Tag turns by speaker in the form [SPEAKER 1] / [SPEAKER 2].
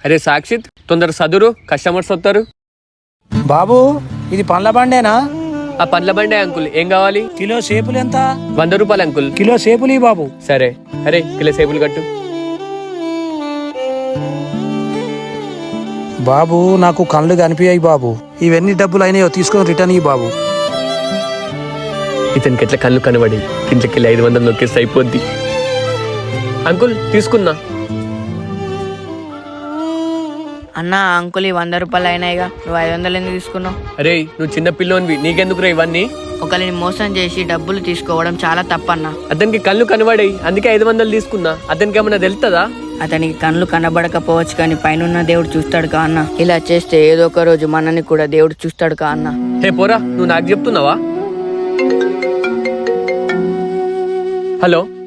[SPEAKER 1] అరే సాక్షిత్, తొందర సదురు, కస్టమర్స్ వస్తారు.
[SPEAKER 2] బాబు ఇది పండ్ల బండేనా?
[SPEAKER 1] ఆ పండ్ల బండే అంకుల్, ఏం కావాలి?
[SPEAKER 2] కిలో సేపులు ఎంత?
[SPEAKER 1] 100 రూపాయలు అంకుల్.
[SPEAKER 2] కిలో సేపులు బాబు.
[SPEAKER 1] సరే. అరే కిలో సేపులు కట్టు.
[SPEAKER 2] బాబు నాకు కళ్ళు కనిపించాయి బాబు. ఇవన్నీ డబ్బులు అయినాయో తీసుకొని రిటర్న్ ఇయ్యి బాబు.
[SPEAKER 1] ఇతనికి ఎట్లా కళ్ళు కనబడి ఇంట్లోకి 500 నొక్కేస్తే అయిపోద్ది. అంకుల్ తీసుకున్నా.
[SPEAKER 3] అన్న అంకుల్ 100 రూపాయలు అయినాయిగా, నువ్వు 500 ఎందుకు తీసుకున్నావు?
[SPEAKER 1] అరే నువ్వు చిన్న పిల్లోనివి, నీకెందుకురా ఇవన్నీ?
[SPEAKER 3] ఒకరిని మోసం చేసి డబ్బులు తీసుకోవడం చాలా తప్పన్న.
[SPEAKER 1] అతనికి కళ్ళు కనబడాయి, అందుకే 500 తీసుకున్నా. అతనికి ఏమన్నా తెలుస్తుందా?
[SPEAKER 3] అతనికి కళ్ళు కనబడకపోవచ్చు కానీ పైన దేవుడు చూస్తాడు కా అన్న. ఇలా చేస్తే ఏదో ఒక రోజు మనని కూడా దేవుడు చూస్తాడు కా అన్న.
[SPEAKER 1] హే పోరా, నువ్వు నాకు చెప్తున్నావా? హలో